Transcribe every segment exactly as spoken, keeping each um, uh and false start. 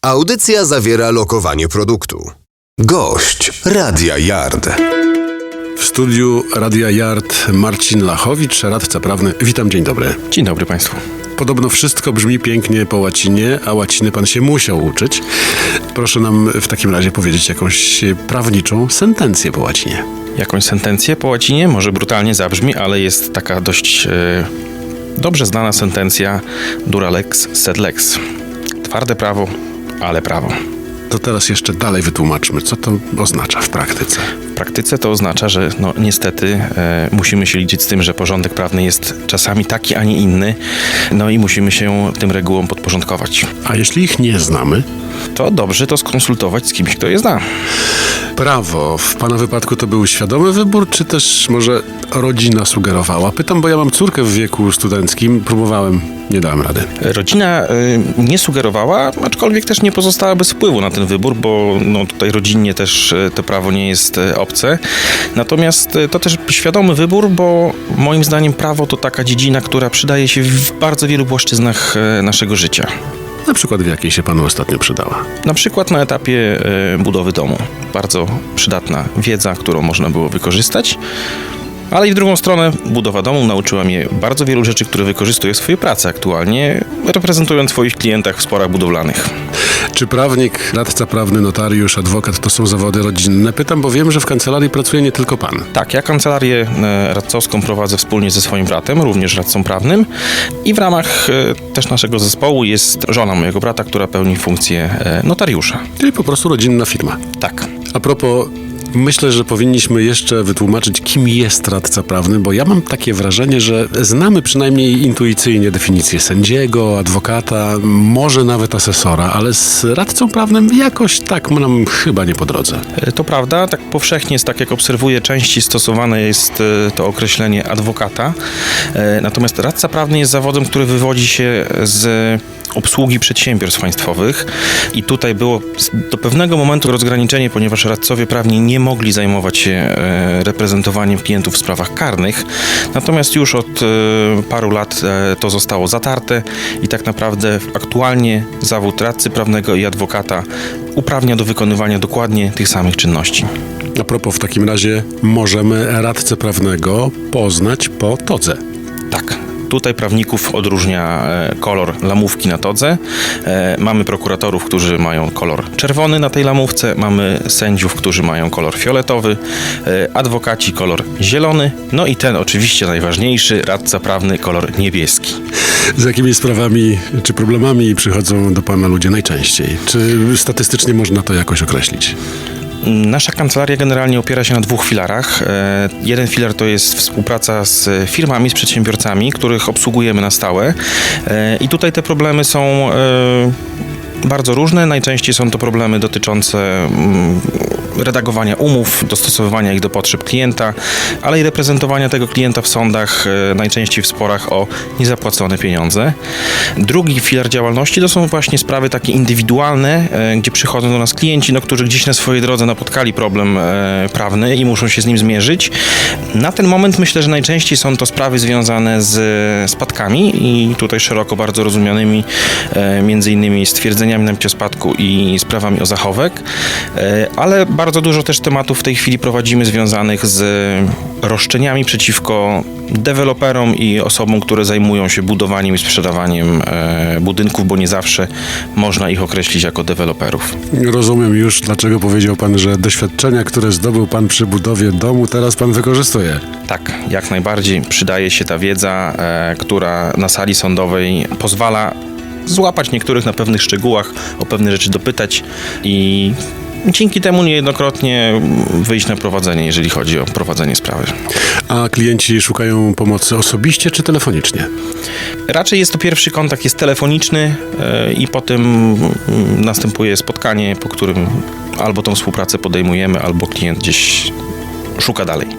Audycja zawiera lokowanie produktu. Gość Radia Yard. W studiu Radia Yard Marcin Lachowicz, radca prawny. Witam, dzień dobry. Dzień dobry Państwu. Podobno wszystko brzmi pięknie po łacinie, a łaciny pan się musiał uczyć. Proszę nam w takim razie powiedzieć jakąś prawniczą sentencję po łacinie. Jakąś sentencję po łacinie? Może brutalnie zabrzmi, ale jest taka dość e, dobrze znana sentencja dura lex sed lex. Twarde prawo, ale prawo. To teraz jeszcze dalej wytłumaczmy, co to oznacza w praktyce. W praktyce to oznacza, że no niestety e, musimy się liczyć z tym, że porządek prawny jest czasami taki, a nie inny. No i musimy się tym regułom podporządkować. A jeśli ich nie znamy? To dobrze to skonsultować z kimś, kto je zna. Prawo. W pana wypadku to był świadomy wybór, czy też może rodzina sugerowała? Pytam, bo ja mam córkę w wieku studenckim. Próbowałem, nie dałem rady. Rodzina y, nie sugerowała, aczkolwiek też nie pozostała bez wpływu na ten wybór, bo no, tutaj rodzinnie też y, to prawo nie jest y, obce. Natomiast y, to też świadomy wybór, bo moim zdaniem prawo to taka dziedzina, która przydaje się w bardzo wielu płaszczyznach y, naszego życia. Na przykład w jakiej się panu ostatnio przydała? Na przykład na etapie y, budowy domu. Bardzo przydatna wiedza, którą można było wykorzystać. Ale i w drugą stronę budowa domu nauczyła mnie bardzo wielu rzeczy, które wykorzystuję w swojej pracy aktualnie, reprezentując swoich klientach w sporach budowlanych. Czy prawnik, radca prawny, notariusz, adwokat to są zawody rodzinne? Pytam, bo wiem, że w kancelarii pracuje nie tylko pan. Tak, ja kancelarię radcowską prowadzę wspólnie ze swoim bratem, również radcą prawnym, i w ramach też naszego zespołu jest żona mojego brata, która pełni funkcję notariusza. Czyli po prostu rodzinna firma. Tak. A propos, myślę, że powinniśmy jeszcze wytłumaczyć, kim jest radca prawny, bo ja mam takie wrażenie, że znamy przynajmniej intuicyjnie definicję sędziego, adwokata, może nawet asesora, ale z radcą prawnym jakoś tak nam chyba nie po drodze. To prawda, tak powszechnie jest, tak jak obserwuję, częściej stosowane jest to określenie adwokata. Natomiast radca prawny jest zawodem, który wywodzi się z obsługi przedsiębiorstw państwowych i tutaj było do pewnego momentu rozgraniczenie, ponieważ radcowie prawni nie mogli zajmować się reprezentowaniem klientów w sprawach karnych, natomiast już od paru lat to zostało zatarte i tak naprawdę aktualnie zawód radcy prawnego i adwokata uprawnia do wykonywania dokładnie tych samych czynności. A propos, w takim razie możemy radcę prawnego poznać po todze. Tak. Tutaj prawników odróżnia kolor lamówki na todze. Mamy prokuratorów, którzy mają kolor czerwony na tej lamówce. Mamy sędziów, którzy mają kolor fioletowy. Adwokaci kolor zielony. No i ten oczywiście najważniejszy, radca prawny, kolor niebieski. Z jakimi sprawami czy problemami przychodzą do pana ludzie najczęściej? Czy statystycznie można to jakoś określić? Nasza kancelaria generalnie opiera się na dwóch filarach. Jeden filar to jest współpraca z firmami, z przedsiębiorcami, których obsługujemy na stałe. I tutaj te problemy są bardzo różne. Najczęściej są to problemy dotyczące redagowania umów, dostosowywania ich do potrzeb klienta, ale i reprezentowania tego klienta w sądach, najczęściej w sporach o niezapłacone pieniądze. Drugi filar działalności to są właśnie sprawy takie indywidualne, gdzie przychodzą do nas klienci, no, którzy gdzieś na swojej drodze napotkali problem prawny i muszą się z nim zmierzyć. Na ten moment myślę, że najczęściej są to sprawy związane z spadkami i tutaj szeroko bardzo rozumianymi, między innymi stwierdzeniami nabycia spadku i sprawami o zachowek, ale bardzo dużo też tematów w tej chwili prowadzimy związanych z roszczeniami przeciwko deweloperom i osobom, które zajmują się budowaniem i sprzedawaniem budynków, bo nie zawsze można ich określić jako deweloperów. Rozumiem już, dlaczego powiedział pan, że doświadczenia, które zdobył pan przy budowie domu, teraz pan wykorzystuje. Tak, jak najbardziej przydaje się ta wiedza, która na sali sądowej pozwala złapać niektórych na pewnych szczegółach, o pewne rzeczy dopytać i dzięki temu niejednokrotnie wyjść na prowadzenie, jeżeli chodzi o prowadzenie sprawy. A klienci szukają pomocy osobiście czy telefonicznie? Raczej jest to pierwszy kontakt, jest telefoniczny yy, i potem yy, następuje spotkanie, po którym albo tą współpracę podejmujemy, albo klient gdzieś szuka dalej.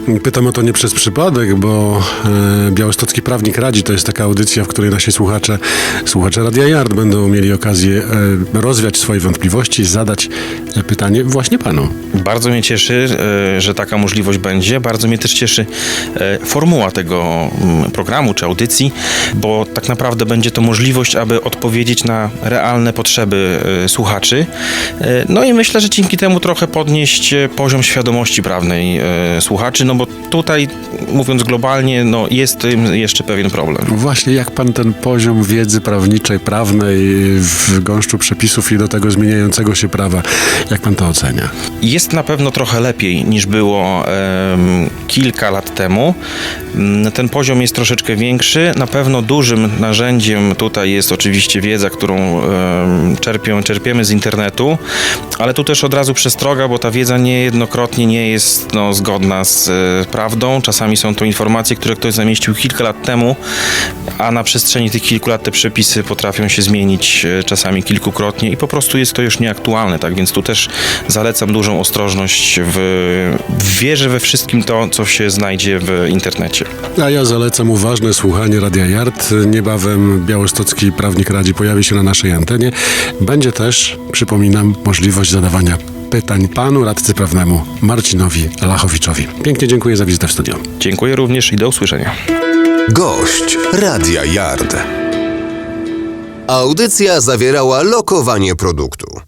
Pytam o to nie przez przypadek, bo e, Białostocki Prawnik Radzi to jest taka audycja, w której nasi słuchacze, słuchacze Radia Yard będą mieli okazję e, rozwiać swoje wątpliwości, zadać e, pytanie właśnie panu. Bardzo mnie cieszy, e, że taka możliwość będzie. Bardzo mnie też cieszy e, formuła tego mm, programu czy audycji, bo tak naprawdę będzie to możliwość, aby odpowiedzieć na realne potrzeby e, słuchaczy. E, no i myślę, że dzięki temu trochę podnieść e, poziom świadomości prawnej e, słuchaczy, no bo tutaj, mówiąc globalnie, no jest tym jeszcze pewien problem. Właśnie jak pan ten poziom wiedzy prawniczej, prawnej w gąszczu przepisów i do tego zmieniającego się prawa, jak pan to ocenia? Jest na pewno trochę lepiej niż było em, kilka lat temu. Mm, Ten poziom jest troszeczkę większy. Na pewno dużym narzędziem tutaj jest oczywiście wiedza, którą em, czerpią, czerpiemy z internetu, ale tu też od razu przestroga, bo ta wiedza niejednokrotnie nie jest no, zgodna z e, prawdą. Czasami są to informacje, które ktoś zamieścił kilka lat temu, a na przestrzeni tych kilku lat te przepisy potrafią się zmienić e, czasami kilkukrotnie i po prostu jest to już nieaktualne, tak więc tu też zalecam dużą ostrożność w, w wierze we wszystkim to, co się znajdzie w internecie. A ja zalecam uważne słuchanie Radia Yard. Niebawem Białostocki Prawnik Radzi pojawi się na naszej antenie. Będzie też, przypominam, możliwość zadawania pytań panu radcy prawnemu Marcinowi Lachowiczowi. Pięknie dziękuję za wizytę w studiu. Dziękuję również i do usłyszenia. Gość Radia Yard. Audycja zawierała lokowanie produktu.